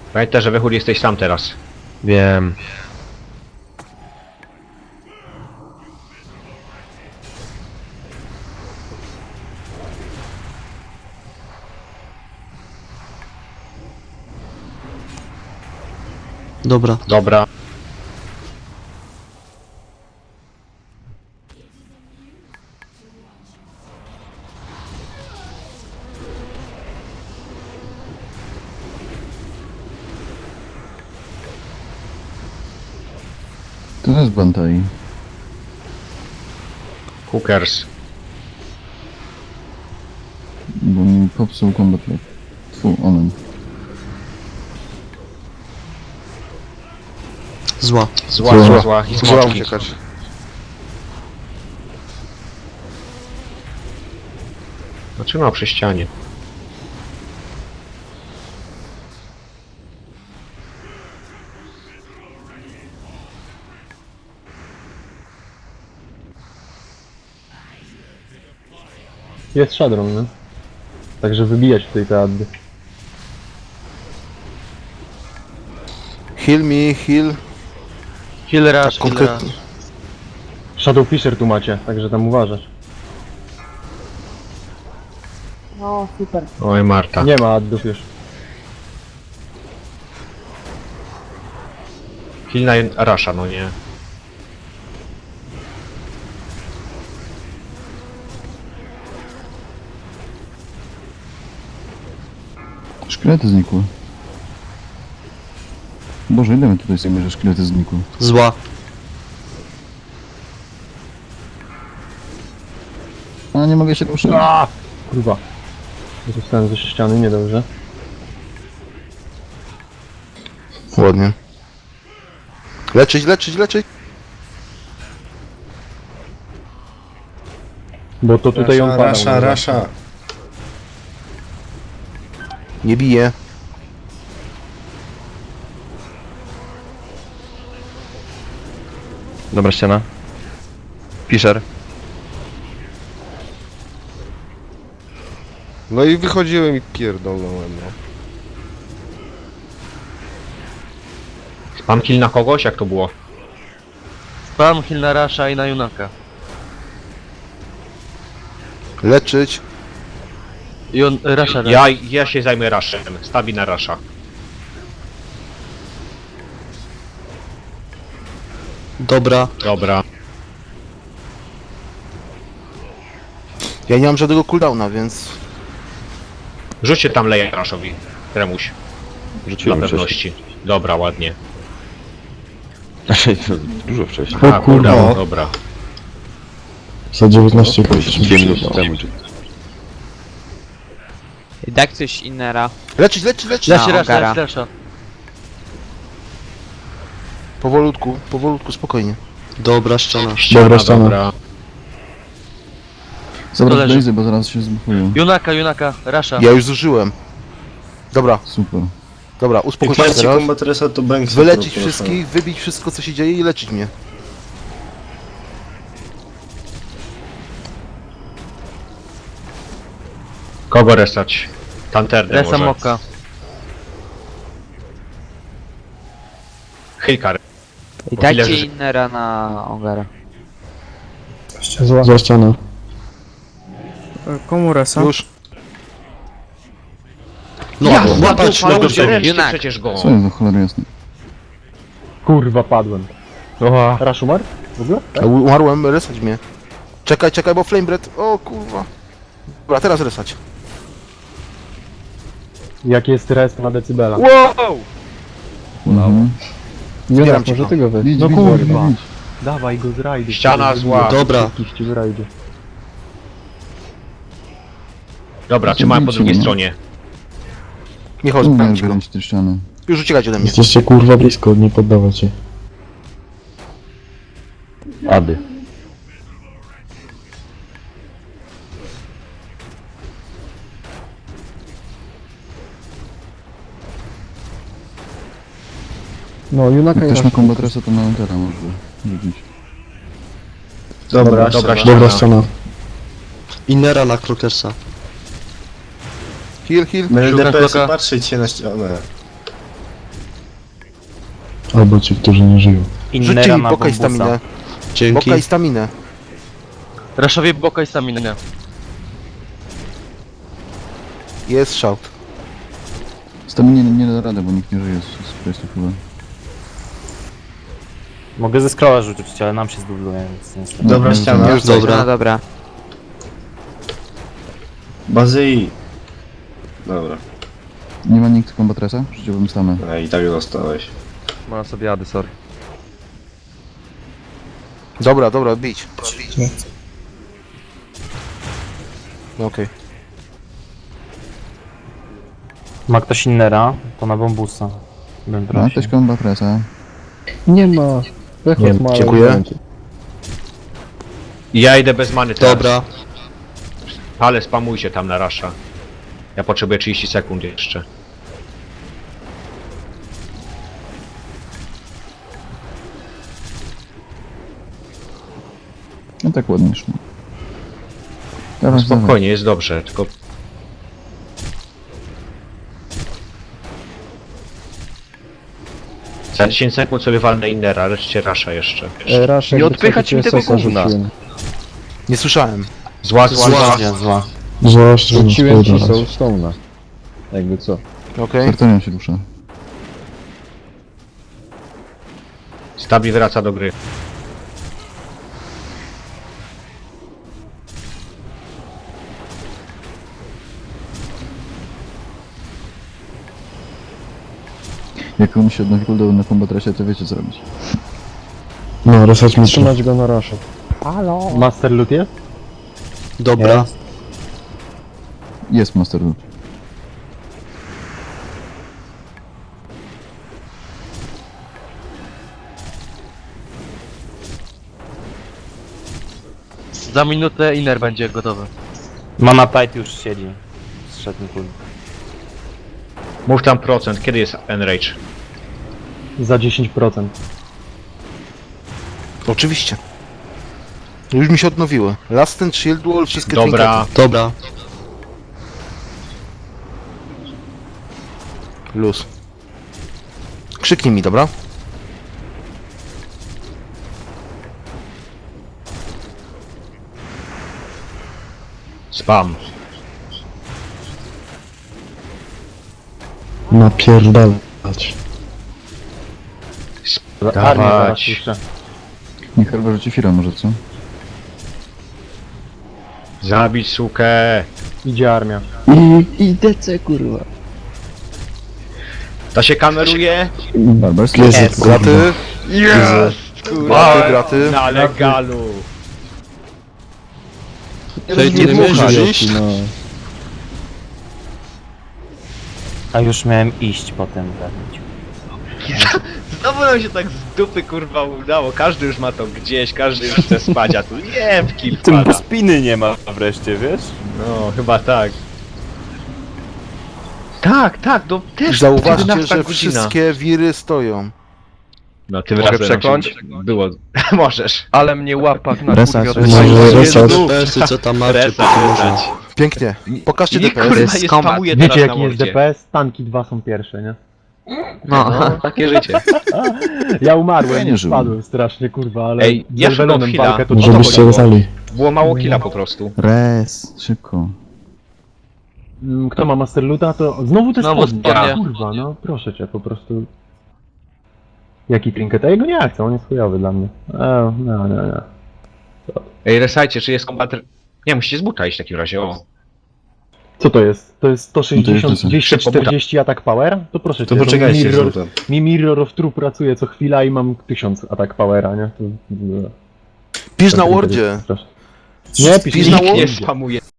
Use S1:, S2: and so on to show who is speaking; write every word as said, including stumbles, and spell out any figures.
S1: Pamiętaj, że Wychód jesteś sam teraz.
S2: Wiem.
S3: Dobra.
S1: Dobra.
S4: To jest Bantai.
S1: Hookers.
S4: Bo mi popsuł combat lock. Tfu, omen.
S3: Zła.
S1: Zła,
S4: Zła.
S1: zła, zła. I
S2: Zła
S1: smoczki.
S2: uciekać.
S1: Zatrzymał przy ścianie.
S5: Jest Shadron, nie? Także wybijać tutaj te addy.
S2: Heal me, heal.
S3: Heal rush,
S2: Tak
S3: heal
S2: konkretnie.
S3: rush.
S5: Shadow Fisher tu macie, także tam uważać.
S6: O, super.
S1: Oj, Marta.
S5: Nie ma addów już.
S1: Hilna Rasha, no nie.
S4: Szkielety znikły. Boże, ile my tutaj sobie, że szkielety znikły?
S3: Zła.
S4: A, nie mogę się ruszyć.
S5: A! Kurwa. Zostałem ze ściany, niedobrze.
S2: Ładnie. Leczyć, leczyć, leczyć.
S5: Bo to tutaj on padał.
S7: Rasza,
S5: no.
S7: rasza.
S2: Nie bije.
S8: Dobra ściana. Fisher.
S2: No i wychodziłem i pierdolnąłem, no.
S1: Spam kill na kogoś? Jak to było?
S3: Spam heal na Rasha i na Junaka.
S2: Leczyć.
S3: I on... Rasha,
S1: Ja, ja się zajmę Rashem. Stabi na Rasha.
S3: Dobra.
S1: Dobra.
S2: Ja nie mam żadnego cooldowna, więc...
S1: Rzućcie tam leję Rashowi. Remuś. Dla
S8: Rzuciłem wcześniej.
S1: pewności. Dobra, ładnie.
S8: Znaczy, to dużo wcześniej.
S4: O
S1: A,
S4: kurwa.
S1: kurwa, dobra.
S4: Za dziewiętnaście
S8: Dwie minuty temu. czy-
S9: I tak coś innera.
S2: Leczyć, leczyć, leczyć.
S3: Leczy
S9: Na
S3: Rasha,
S9: Ogara.
S3: leczy Rasha.
S2: Powolutku, powolutku, spokojnie.
S3: Dobra ściana.
S1: Ściana,
S4: Dobra, ściana.
S1: dobra.
S3: To
S4: Zabrać
S3: leży.
S4: blazy, bo zaraz się zbuchują.
S3: Junaka, Junaka, Rasha.
S2: Ja już zużyłem. Dobra,
S4: Super.
S2: dobra,
S7: Jak
S2: uspokój się
S7: macie
S2: teraz.
S7: combat reset, to bank
S2: Wyleczyć wszystkich, wybić wszystko co się dzieje i leczyć mnie.
S1: Kogo resać? Tanterdę
S3: Resa
S1: może.
S3: Moka.
S1: Hilka.
S9: I
S1: O
S9: dajcie
S1: ile, że-
S9: innera na Ogara.
S5: Zła.
S4: Za ścianę.
S6: Komu resa?
S2: Już.
S3: No,
S1: Ja,
S3: łapać
S1: no,
S3: go
S1: no, ręczcie
S9: Junak.
S1: przecież go.
S4: Co jest za cholera jasne?
S5: Kurwa, padłem.
S1: Oha.
S5: Rasz umarł? W ogóle?
S2: Ja umarłem, resać mnie. Czekaj, czekaj, bo flamebread. O kurwa. Dobra, teraz resać.
S5: Jaki jest rest na decybela?
S1: Wow!
S4: Mhm.
S2: Zbieram cię,
S5: może
S2: no.
S5: ty go weź.
S4: Idź,
S5: No
S4: idź,
S5: kurwa.
S4: idź, idź.
S5: Dawaj go z rajdu.
S1: Ściana zła.
S3: Dobra.
S5: Wszystkich ci z rajdu.
S1: Dobra, trzymałem po
S4: Idźcie,
S1: drugiej
S4: no.
S1: stronie.
S2: Nie chodź,
S4: Umiem
S2: pędź go.
S4: wyręć te ściany.
S2: Już uciekać ode mnie.
S10: Jesteście kurwa blisko, nie poddawać się.
S8: Ady.
S5: No, Junaka
S4: Jak
S5: i
S4: też ma
S5: Rasz.
S4: combat reset, to na Entera może rzucić.
S7: Dobra,
S1: Dobra,
S7: ściana.
S10: Dobra ściana.
S3: Innera na Krokersa.
S2: Heal, heal.
S7: My
S3: Szukam
S7: D P S
S3: kloka.
S7: patrzeć się na ścianę.
S10: Albo ci, którzy nie żyją.
S2: Rzućcie mi boka i staminę. Boka i staminę.
S3: Raszowie boka i staminę.
S2: Jest shout.
S4: Staminie nie, nie da rady, bo nikt nie żyje z, z questów chyba.
S7: Mogę ze scrolla rzucić, ale nam się zdubluje, więc niestety.
S10: Dobra ściana.
S2: Już
S9: Dobra. No dobra.
S10: Bazyi. Dobra,
S4: Nie ma nikt kombatresa? Rzuciłbym stamę.
S10: a i tak dostałeś.
S8: Mam sobie ady, sorry.
S2: Dobra, dobra, bić. No okej.
S7: Ma ktoś innera, to na bambusa. Bym
S4: Ma
S7: prosił.
S4: ktoś kombatresa?
S5: Nie ma. Pechot
S2: Nie,
S5: ma, ale
S2: dziękuję.
S5: nie będzie.
S1: Ja idę bez many teraz. Dobra. Ale spamujcie tam na rasza. Ja potrzebuję trzydzieści sekund jeszcze.
S4: No tak ładnie szło. Dawaj, dawaj.
S1: Spokojnie, jest dobrze, tylko... Za dziesięć sekund sobie walnę innera, reszcie rasza jeszcze.
S5: E, Rasha,
S8: Nie
S5: jakby co,
S8: odpychać
S5: to
S8: mi
S5: cię
S8: tego
S5: sosa
S8: gówna.
S5: rzuciłem.
S2: Nie słyszałem.
S1: Zła, zła, zła.
S7: Zła, zła.
S10: Zwłaszcza, że
S5: Rzuciłem ci
S10: spojrzał.
S5: Soulstone'a. Jakby co.
S2: Okej.
S4: Sartorion się rusza.
S1: Stabi wraca do gry.
S4: Jak on się odnowi cooldown na kombatresie, to wiecie co robić.
S10: No, resać mi
S5: Trzymać go na Rasha.
S6: Halo?
S5: Master Loot jest?
S7: Dobra.
S4: Jest Master Loot.
S3: Za minutę inner będzie gotowy.
S7: Mana Tide już siedzi. Zszedł mi kul.
S1: Mów tam procent, kiedy jest Enrage?
S5: Za dziesięć procent.
S2: Oczywiście. Już mi się odnowiły. Last and Shield Wall, wszystkie
S1: Dobra.
S2: trinkety.
S9: Dobra.
S2: Luz. Krzyknij mi, dobra?
S1: Spam.
S10: napierdalać.
S5: Armię zaraz
S1: Dawać.
S5: puszczę.
S4: Niech chyba rzuci Fira może, co?
S1: Zabić sukę.
S5: Idzie armia.
S10: I, i D C kurwa.
S1: To się kameruje?
S4: Barbers?
S10: Jest,
S2: Graty,
S1: Jest!
S2: graty, graty.
S1: Na legalu.
S2: Nie dmuchaj.
S10: No.
S7: A już miałem iść potem zabić.
S1: Znowu nam się tak z dupy kurwa udało. Każdy już ma to gdzieś, każdy już chce spać, a tu nie w kill
S7: Tym bo
S1: pada.
S7: spiny nie ma wreszcie, wiesz?
S1: No, chyba tak. Tak, tak, no też
S2: Zauważcie,
S1: jedenasta
S2: że
S1: godzina.
S2: wszystkie wiry stoją.
S1: No tym
S8: Mogę
S1: razem nam
S8: przekląć?
S1: się było. Możesz.
S8: Ale mnie łapak na
S4: Resać,
S8: kurwie
S4: resać.
S8: odpalił.
S10: Może resać.
S9: co tam
S1: Resać, resać.
S2: Pięknie. Pokażcie
S1: I
S2: D P S.
S1: kurwa
S9: jest
S1: je
S9: kombat.
S1: spamuje teraz
S5: Wiecie
S1: na
S5: jaki jest
S1: mordzie.
S5: D P S? Tanki dwa są pierwsze, nie?
S9: No.
S1: No, takie życie.
S5: Ja umarłem,
S4: Ja nie
S5: nie
S4: żyłem.
S5: spadłem strasznie, kurwa, ale
S1: Ej,
S5: z
S1: ja
S5: Elvelonem
S1: szukam chwila.
S5: walkę to
S1: Może
S10: Może
S1: to
S10: byście
S1: było.
S10: resali.
S1: Było mało killa po prostu.
S4: Res, szybko.
S5: Mm, Kto ma Master Loota, to znowu te
S3: Znowu
S5: spodnie.
S3: spodnie.
S5: Kurwa, no proszę cię, po prostu. Jaki trinket? Ja jego nie chcę, on jest chujowy dla mnie. E, no, no, no.
S1: Ej, resajcie, czy jest kombat... Nie, musicie z buta iść w takim razie, o.
S5: Co to jest? To jest sto sześćdziesiąt,
S4: jest-
S5: dwieście czterdzieści atak power? To proszę cię,
S10: To poczekajcie
S5: mi
S10: z
S5: mirror,
S10: lutem.
S5: mi Mirror of True pracuje co chwila i mam tysiąc atak powera, nie? To,
S2: Pisz na
S5: to-
S2: Wordzie.
S5: straszne. Nie, pisz
S2: Pisz
S5: na
S2: na
S1: Nikt nie
S5: Wordzie.
S1: spamuje